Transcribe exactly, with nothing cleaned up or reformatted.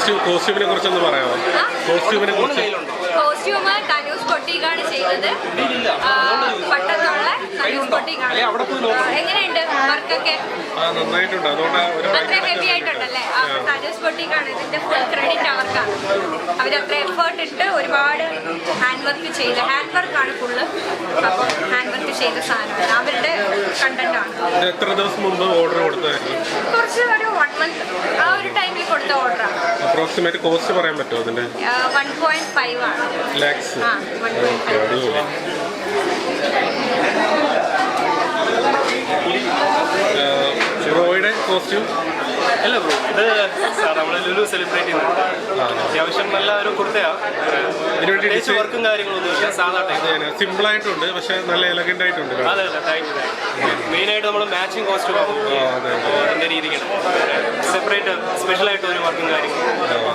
Costume കോസ്റ്റ്യൂമിനെ കുറിച്ചൊന്ന് പറയാമോ? കോസ്റ്റ്യൂമിനെ കുറിച്ച് കോസ്റ്റ്യൂം തനൂസ് ബൊട്ടീക്കാണ് ചെയ്തത്. പട്ടത്തുള്ള തനൂസ് ബൊട്ടീക്കാണ്. എങ്ങനെയുണ്ട് വർക്കൊക്കെ? നന്നായിട്ടുണ്ട്. അതുകൊണ്ട് അത്ര ഹെവി ആയിട്ടുണ്ടല്ലേ? തനൂസ് ബൊട്ടീക്കാണ് ഇതിന്റെ ഫുൾ ക്രെഡിറ്റ് അവർക്കാണ്. അവരത്ര എഫേർട്ട് ഇട്ട് ഒരുപാട് ഹാൻഡ് വർക്ക് ചെയ്ത് ഹാൻഡ് വർക്കാണ് ഫുള്ള്. അപ്പോൾ ഹാൻഡ് വർക്ക് ചെയ്ത സാധനമാണ് അവരുടെ കണ്ടന്റ് ആണ്. എത്ര ദിവസം മുമ്പ് ഓർഡർ കൊടുത്തായിരുന്നു? കുറച്ച് ഒരു വൺ മന്ത് ആ ഒരു ടൈമിൽ കൊടുത്ത ഓർഡറാണ്. അപ്രോക്സിമേറ്റ് കോസ്റ്റ് പറയാൻ പറ്റുമോ അതിന്റെ? വൺ പോയിന്റ് ഫൈവ് ആണ്. ലാക്സ്. ആ വൺ പോയിന്റ് ഫൈവ്. റോയുടെ കോസ്റ്റ്യൂം അല്ല ബ്രോ, ഇത് സാർ നമ്മൾ ലുലു സെലിബ്രേറ്റ് ചെയ്യുന്നത് അത്യാവശ്യം നല്ല ഒരു കുർത്തയാണ്. പ്രത്യേകിച്ച് വർക്കും കാര്യങ്ങളൊന്നും ഇല്ല, സാധാ ടൈപ്പ് സിമ്പിൾ ആയിട്ടുണ്ട്, പക്ഷെ നല്ല എലഗന്റ് ആയിട്ടുണ്ട്. അതെ അതെ താങ്ക് യു. മെയിനായിട്ട് നമ്മൾ മാച്ചിങ് കോസ്റ്റ്യൂം ആകും. എൻ്റെ രീതിക്കാണ് സെപ്പറേറ്റ് സ്പെഷ്യലായിട്ട് ഒരു വർക്കും കാര്യങ്ങളും